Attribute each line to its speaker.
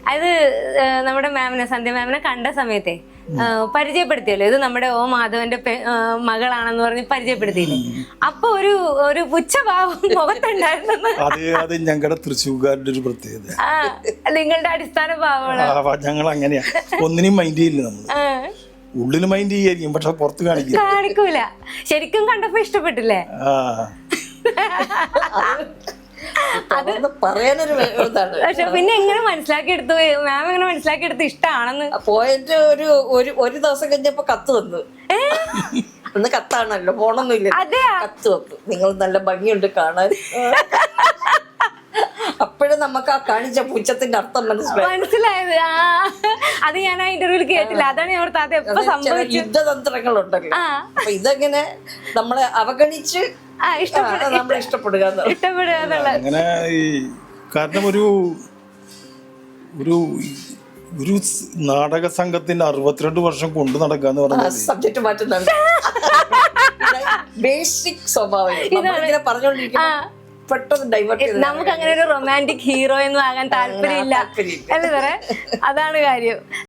Speaker 1: അത് നമ്മുടെ മാമിനെ, സന്ധ്യ മാമിനെ കണ്ട സമയത്തെ പരിചയപ്പെടുത്തിയല്ലോ, ഇത് നമ്മുടെ ഓ മാധവന്റെ മകളാണെന്ന് പറഞ്ഞ് പരിചയപ്പെടുത്തിയില്ലേ? അപ്പൊ ഒരു പുച്ഛഭാവം മുഖത്തുണ്ടായിരുന്നു.
Speaker 2: അത് ഞങ്ങളുടെ തൃശ്ശൂർക്കാരുടെ ഒരു പ്രത്യേകത.
Speaker 1: നിങ്ങളുടെ അടിസ്ഥാന ഭാവമാണ്.
Speaker 2: ഞങ്ങൾ അങ്ങനെയാ, ഒന്നിനും മൈൻഡ് ചെയ്യില്ല. നമ്മൾ ഉള്ളിൽ മൈൻഡ് ചെയ്യായിരിക്കും, പക്ഷെ പുറത്ത്
Speaker 1: കാണിക്കൂല. ശരിക്കും കണ്ടപ്പോ ഇഷ്ടപ്പെട്ടില്ലേ? പക്ഷെ പിന്നെ എങ്ങനെ മനസ്സിലാക്കിയെടുത്തു മാം? എങ്ങനെ മനസ്സിലാക്കിയെടുത്ത് ഇഷ്ടമാണെന്ന്?
Speaker 3: പോയിട്ട് ഒരു ദിവസം കഴിഞ്ഞപ്പോ കത്ത് വന്നു. അന്ന് കത്താണല്ലോ, ഫോണൊന്നുമില്ല. കത്ത് വന്നു, നിങ്ങൾ നല്ല ഭംഗിയുണ്ട് കാണാൻ. അപ്പോഴും നമുക്ക് ആ കാണിച്ച പുച്ഛത്തിന്റെ അർത്ഥം
Speaker 1: മനസ്സിലായത്. അത് ഞാൻ ആ ഇന്റർവ്യൂവിൽ കേട്ടില്ല. അതാണ് ഞാൻ ഓർത്ത് അത് എപ്പോ സംഭവിച്ചു.
Speaker 3: യുദ്ധതന്ത്രങ്ങളുണ്ടല്ലോ. അപ്പൊ ഇതെങ്ങനെ നമ്മളെ അവഗണിച്ച് നമ്മളെ ഇഷ്ടപ്പെടുക
Speaker 2: അങ്ങനെ. കാരണം ഒരു നാടക സംഘത്തിന്റെ 62 വർഷം കൊണ്ടു നടക്കാന്ന് പറഞ്ഞാൽ
Speaker 3: സബ്ജക്ട് മാറ്റുന്നുണ്ട്. ബേസിക് സ്വഭാവം പറഞ്ഞോണ്ടിരിക്കും, പെട്ടെന്ന് ഡൈവേർട്ട് ചെയ്ത്.
Speaker 1: നമുക്ക് അങ്ങനെ ഒരു റൊമാൻറ്റിക് ഹീറോ ഒന്നും ആകാൻ താല്പര്യമില്ല അല്ലേ സാറേ? അതാണ് കാര്യം.